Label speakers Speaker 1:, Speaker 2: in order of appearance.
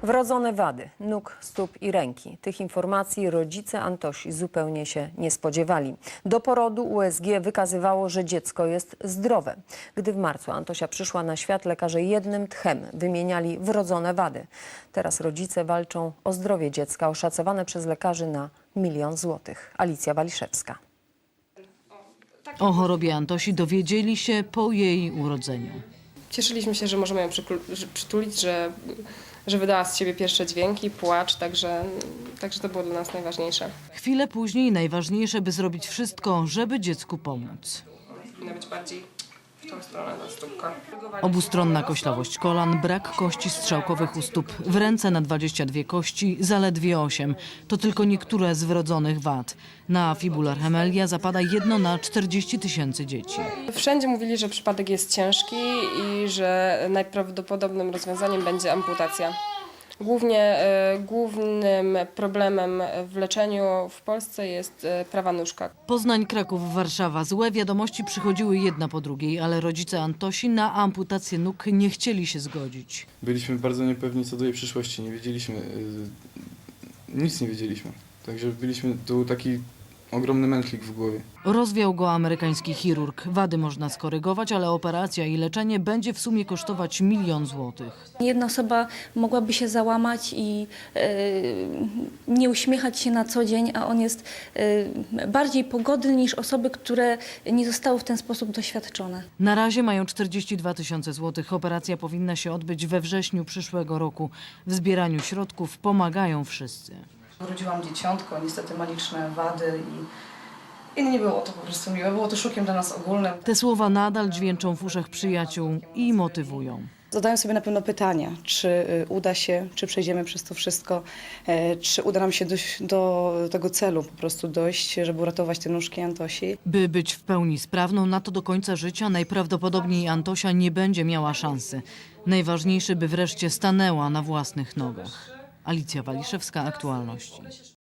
Speaker 1: Wrodzone wady nóg, stóp i ręki. Tych informacji rodzice Antosi zupełnie się nie spodziewali. Do porodu USG wykazywało, że dziecko jest zdrowe. Gdy w marcu Antosia przyszła na świat, lekarze jednym tchem wymieniali wrodzone wady. Teraz rodzice walczą o zdrowie dziecka, oszacowane przez lekarzy na 1 000 000 złotych. Alicja Waliszewska.
Speaker 2: O chorobie Antosi dowiedzieli się po jej urodzeniu.
Speaker 3: Cieszyliśmy się, że możemy ją przytulić, że wydała z siebie pierwsze dźwięki, płacz, także to było dla nas najważniejsze.
Speaker 2: Chwilę później najważniejsze, by zrobić wszystko, żeby dziecku pomóc.
Speaker 3: Powinna być bardziej w tą stronę ta stópka.
Speaker 2: Obustronna koślawość kolan, brak kości strzałkowych u stóp, w ręce na 22 kości, zaledwie 8. To tylko niektóre z wrodzonych wad. Na fibularchemelia zapada 1 na 40 000 dzieci.
Speaker 3: Wszędzie mówili, że przypadek jest ciężki i że najprawdopodobnym rozwiązaniem będzie amputacja. Głównym problemem w leczeniu w Polsce jest prawa nóżka.
Speaker 2: Poznań, Kraków, Warszawa. Złe wiadomości przychodziły jedna po drugiej, ale rodzice Antosi na amputację nóg nie chcieli się zgodzić.
Speaker 4: Byliśmy bardzo niepewni co do jej przyszłości, nie wiedzieliśmy, nic nie wiedzieliśmy. Także był taki ogromny mętlik w głowie.
Speaker 2: Rozwiał go amerykański chirurg. Wady można skorygować, ale operacja i leczenie będzie w sumie kosztować 1 000 000 złotych.
Speaker 5: Jedna osoba mogłaby się załamać i nie uśmiechać się na co dzień, a on jest bardziej pogodny niż osoby, które nie zostały w ten sposób doświadczone.
Speaker 2: Na razie mają 42 000 złotych. Operacja powinna się odbyć we wrześniu przyszłego roku. W zbieraniu środków pomagają wszyscy.
Speaker 6: Urodziłam dzieciątko, niestety ma liczne wady i nie było to po prostu miłe. Było to szokiem dla nas ogólnym.
Speaker 2: Te słowa nadal dźwięczą w uszach przyjaciół i motywują.
Speaker 6: Zadaję sobie na pewno pytania, czy uda się, czy przejdziemy przez to wszystko, czy uda nam się dojść do tego celu, po prostu dojść, żeby uratować te nóżki Antosi.
Speaker 2: By być w pełni sprawną, na to do końca życia najprawdopodobniej Antosia nie będzie miała szansy. Najważniejsze, by wreszcie stanęła na własnych nogach. Alicja Waliszewska, Aktualności.